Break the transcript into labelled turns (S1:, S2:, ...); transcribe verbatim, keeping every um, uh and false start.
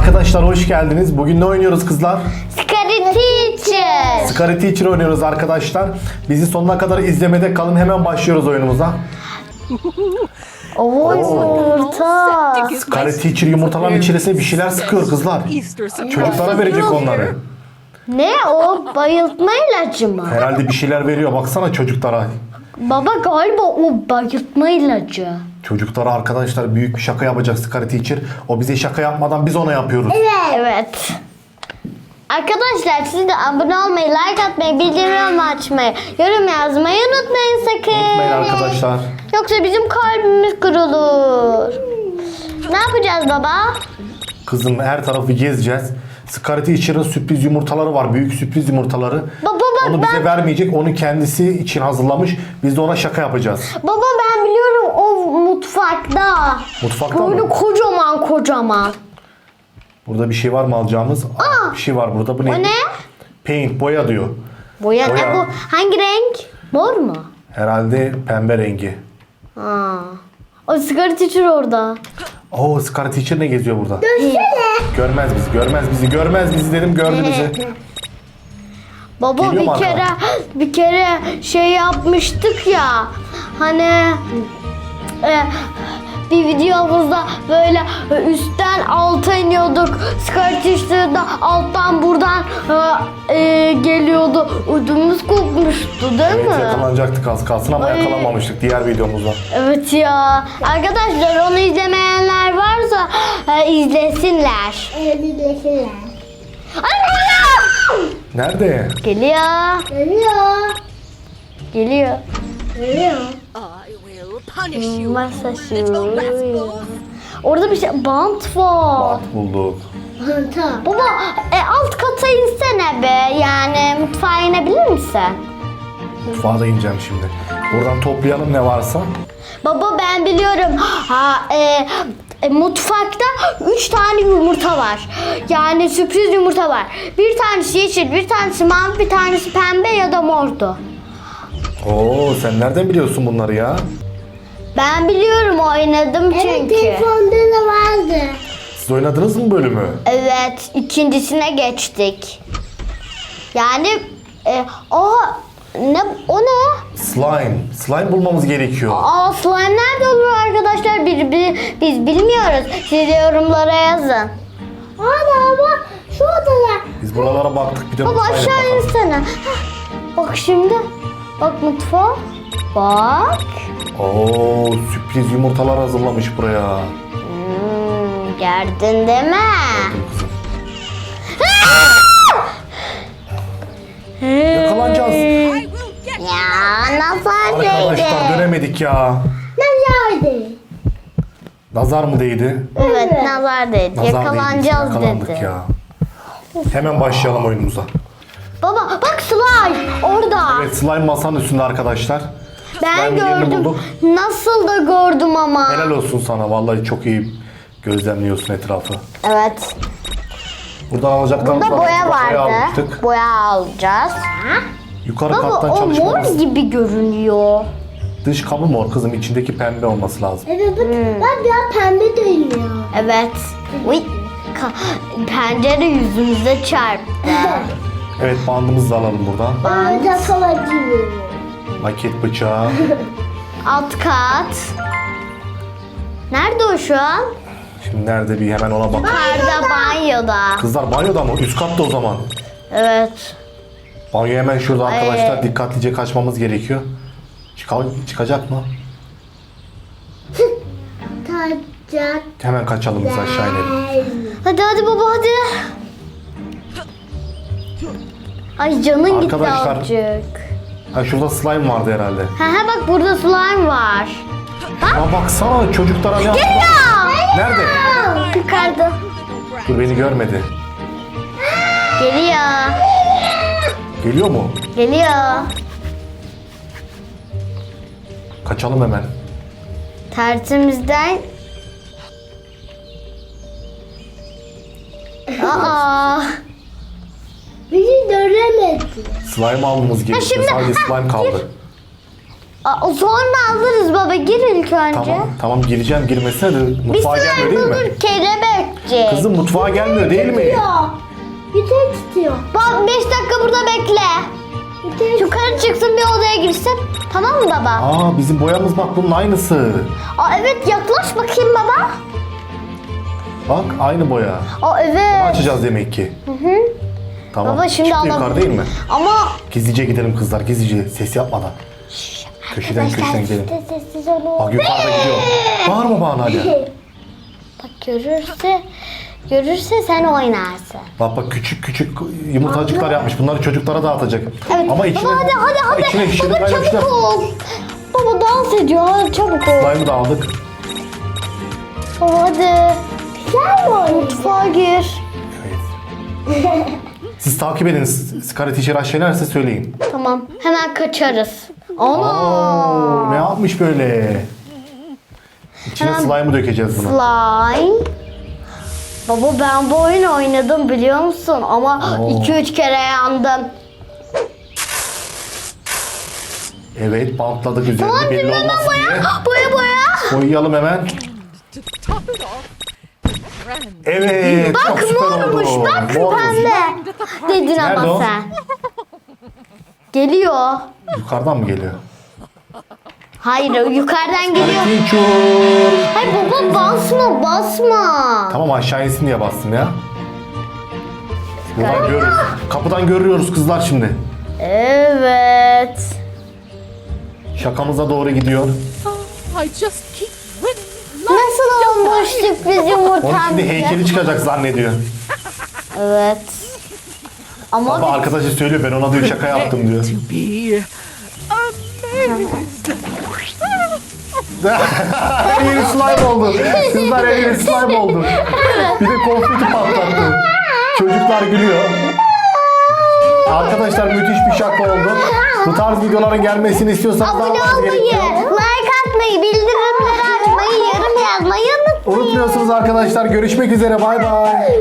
S1: Arkadaşlar hoş geldiniz. Bugün ne oynuyoruz kızlar?
S2: Scary Teacher.
S1: Scary Teacher oynuyoruz arkadaşlar. Bizi sonuna kadar izlemede kalın. Hemen başlıyoruz oyunumuza.
S2: Oo, yumurta.
S1: Scary Teacher yumurtaların içerisine bir şeyler sıkıyor kızlar. Çocuklara verecek onları.
S2: Ne o? Bayıltma ilacı mı?
S1: Herhalde bir şeyler veriyor. Baksana çocuklara.
S2: Baba galiba o bayıltma ilacı.
S1: Çocuklara arkadaşlar büyük bir şaka yapacak Scary Teacher. O bize şaka yapmadan biz ona yapıyoruz.
S2: Evet. Arkadaşlar siz de abone olmayı, like atmayı, bildirim açmayı, yorum yazmayı unutmayın sakın.
S1: Unutmayın arkadaşlar.
S2: Yoksa bizim kalbimiz kırılır. Ne yapacağız baba?
S1: Kızım her tarafı gezeceğiz. Scary Teacher'ın sürpriz yumurtaları var. Büyük sürpriz yumurtaları.
S2: Baba bak
S1: Onu bize
S2: ben...
S1: vermeyecek. Onu kendisi için hazırlamış. Biz de ona şaka yapacağız.
S2: Baba ben biliyorum o mutfakta.
S1: Mutfakta
S2: Böyle
S1: mı?
S2: kocaman kocaman.
S1: Burada bir şey var mı alacağımız? Aa, bir şey var burada. Bu ne?
S2: O ne?
S1: Paint, boya diyor.
S2: Boya ne
S1: Boya.
S2: bu? Hangi renk? Mor mu?
S1: Herhalde pembe rengi.
S2: Aa. O sigara teacher orada.
S1: Oo, Scary Teacher ne geziyor burada? Görmez bizi, görmez bizi, görmez bizi dedim, gördü bizi.
S2: Baba
S1: Geliyor mu
S2: bir kere
S1: arkadan?
S2: bir kere şey yapmıştık ya. Hani e, bir videomuzda böyle üstten alta iniyorduk. Sigara teacher'da alttan buradan e, e, geliyordu. Ödümüz kopmuştu değil
S1: Evet,
S2: mi?
S1: yakalanacaktık az kalsın ama
S2: Ay.
S1: yakalanmamıştık diğer videomuzda.
S2: Evet ya. Arkadaşlar onu izlemeyenler varsa e, izlesinler.
S3: Evet, izlesinler.
S2: Ay geliyor.
S1: Nerede?
S2: Geliyor.
S3: Geliyor.
S2: Geliyor.
S3: Geliyor.
S4: I will punish you.
S2: Masa
S4: Little rascal.
S2: Orada bir şey bant var.
S1: Bant bulduk.
S3: Tamam.
S2: Baba e, alt kata insene be. Yani mutfağa inebilir misin?
S1: Mutfağa da ineceğim şimdi. Buradan toplayalım ne varsa.
S2: Baba ben biliyorum. Ha e, e, mutfakta üç tane yumurta var. Yani sürpriz yumurta var. Bir tanesi yeşil, bir tanesi mavi, bir tanesi pembe ya da mordu.
S1: Oo, sen nereden biliyorsun bunları ya?
S2: Ben biliyorum oynadım
S3: Evet,
S2: çünkü.
S3: telefonda da vardı.
S1: Siz oynadınız mı bölümü?
S2: Evet, ikincisine geçtik. Yani e, o ne o ne?
S1: Slime. Slime bulmamız gerekiyor.
S2: Aa slime nerede olur arkadaşlar? Bir, bir- biz bilmiyoruz. Siz de yorumlara yazın.
S3: Ana baba şu odada.
S1: Biz buralara baktık bir de
S2: Baba
S1: mutfağa
S2: aşağı
S1: bakalım.
S2: insene. Heh, bak şimdi. Bak mutfağa. Bak.
S1: Oo, sürpriz yumurtalar hazırlamış buraya.
S2: Hmm, gördün değil mi?
S1: Kızım. Yakalanacağız.
S4: I will get you.
S2: Ya nazar
S1: Arkadaşlar
S2: değdi.
S1: dönemedik ya.
S3: Ne geldi?
S1: Nazar mı değdi?
S2: Evet nazar değdi.
S1: Nazar
S2: Yakalanacağız
S1: değdi. Yakalandık
S2: dedi.
S1: ya. Hemen başlayalım oyunumuza.
S2: Baba bak slime orada.
S1: Evet, slime masanın üstünde arkadaşlar.
S2: Ben
S1: Slime'in yerini
S2: gördüm.
S1: bulduk.
S2: Nasıl da gördüm ama.
S1: Helal olsun sana. Vallahi çok iyi gözlemliyorsun etrafı.
S2: Evet.
S1: Buradan alacaklarımız
S2: Burada
S1: var.
S2: boya
S1: Boya
S2: vardı.
S1: almıştık.
S2: Boya alacağız.
S1: Yukarı
S2: Baba
S1: kattan
S2: o mor
S1: çalışmamız.
S2: gibi görünüyor.
S1: Dış kabı mor kızım. İçindeki pembe olması lazım.
S3: Evet bak, bak ya pembe dönüyor.
S2: Evet. Uy. Ka- pencere yüzümüze çarptı.
S1: Evet, bandımızı da alalım buradan.
S3: Bana kalıcı.
S1: Maket bıçağı.
S2: Alt kat. Nerede o şu an?
S1: Şimdi nerede bir hemen ona bak.
S2: Yukarıda banyoda.
S1: Kızlar banyoda mı? Üst katta o zaman.
S2: Evet.
S1: Banyo hemen şurada
S2: Ay.
S1: arkadaşlar. Dikkatlice kaçmamız gerekiyor. Çıka- çıkacak mı?
S3: Tacak.
S1: Hemen kaçalım biz aşağı inelim.
S2: Hadi hadi baba hadi. Ay canın gitti
S1: Arkadaşlar.
S2: azıcık.
S1: Ha, şurada slime vardı herhalde.
S2: Ha ha bak burada slime var.
S1: Aa, baksana çocuklara ne yaptı? Nerede?
S2: Yukarıda.
S1: Dur, beni görmedi.
S2: Geliyor.
S1: Geliyor mu?
S2: Geliyor.
S1: Kaçalım hemen.
S2: Tersimizden. Aa.
S3: Bizi göremedi.
S1: Slime almamız gerekiyor.
S2: şimdi-
S1: Sadece
S2: ha,
S1: slime kaldı.
S2: Aa, sonra alırız baba. Gir ilk önce.
S1: Tamam tamam gireceğim girmesine de
S2: Bir
S1: mutfağa gelmiyor
S2: slime
S1: değil mi?
S2: bulur kelebekçi.
S1: Kızım mutfağa gelmiyor değil mi?
S3: Ya. Yukarı tutuyor.
S2: Bak beş dakika burada bekle.
S3: Yukarı
S2: Yukarı çıksın bir odaya girsin. Tamam mı baba?
S1: Aa bizim boyamız bak bunun aynısı.
S2: Aa, evet yaklaş bakayım baba.
S1: Bak aynı boya.
S2: Aa, evet.
S1: Açacağız demek ki. Hı hı. Tamam.
S2: Baba şimdi
S1: Çıktı
S2: alalım.
S1: yukarı değil mi?
S2: Ama
S1: Gizlice gidelim kızlar gizlice ses yapmadan. Köşeden köşeden gidelim.
S3: Sessiz sessiz olun.
S1: Bak yukarıda gidiyor. Bağırma bana hala.
S2: bak görürse görürse sen oynarsın.
S1: Bak bak küçük küçük yumurtacıklar yapmış. Bunları çocuklara dağıtacak.
S2: Evet.
S1: Ama içine,
S2: baba hadi hadi hadi.
S1: içine şişirip
S2: Baba
S1: kaynamışlar.
S2: çabuk ol. Baba dans ediyor. Hadi çabuk ol.
S1: Slime'ı da aldık.
S2: Baba hadi. Gel mi? Mutfağa gir.
S1: Evet. Siz takip edin. Scarlet Teacher aşağılarsa söyleyin.
S2: Tamam. Hemen kaçarız. Ana.
S1: Oo, ne yapmış böyle? İçine
S2: Hemen-
S1: slime'ı dökeceğiz bunu.
S2: Slime. Baba ben bu oyunu oynadım biliyor musun? Ama
S1: Oo.
S2: iki üç kere yandım.
S1: Evet bantladık üzerinde
S2: Tamam
S1: belli
S2: şimdi hemen
S1: olmasın diye.
S2: boya. Boya boya.
S1: Boyayalım hemen.
S4: To top it off, friend.
S1: Evet çok
S2: Bak
S1: süper
S2: mormuş
S1: oldu.
S2: bak
S1: Mormuş.
S2: pembe. Dedin
S1: Nerede
S2: ama
S1: o?
S2: sen. Geliyor.
S1: Yukarıdan mı geliyor?
S2: Hayır o yukarıdan geliyor.
S1: Teacher.
S2: Hayır baba basma basma.
S1: Tamam aşağı insin diye bastım ya. Buradan görürüz. Kapıdan görüyoruz kızlar şimdi.
S2: Evet.
S1: Şakamıza doğru gidiyor.
S4: I just keep winning.
S2: Nasıl olmuş sürpriz
S1: Onun
S2: yumurtam?
S1: şimdi heykeli çıkacak zannediyor.
S2: Evet. Ama
S1: Baba arkadaşı söylüyor ben ona diyor şaka yaptım diyor.
S4: To be
S1: Elini slime oldu. Kızlar elini slime oldu. Bir de konfeti patlattı. Çocuklar gülüyor. Arkadaşlar müthiş bir şaka oldu. Bu tarz videoların gelmesini istiyorsanız ne
S2: abone
S1: yapmanız
S2: olmayı,
S1: gerekiyor?
S2: like atmayı, bildirimleri açmayı, yorum yazmayı unutmayın.
S1: Unutmuyorsunuz arkadaşlar. Görüşmek üzere. Bay bay.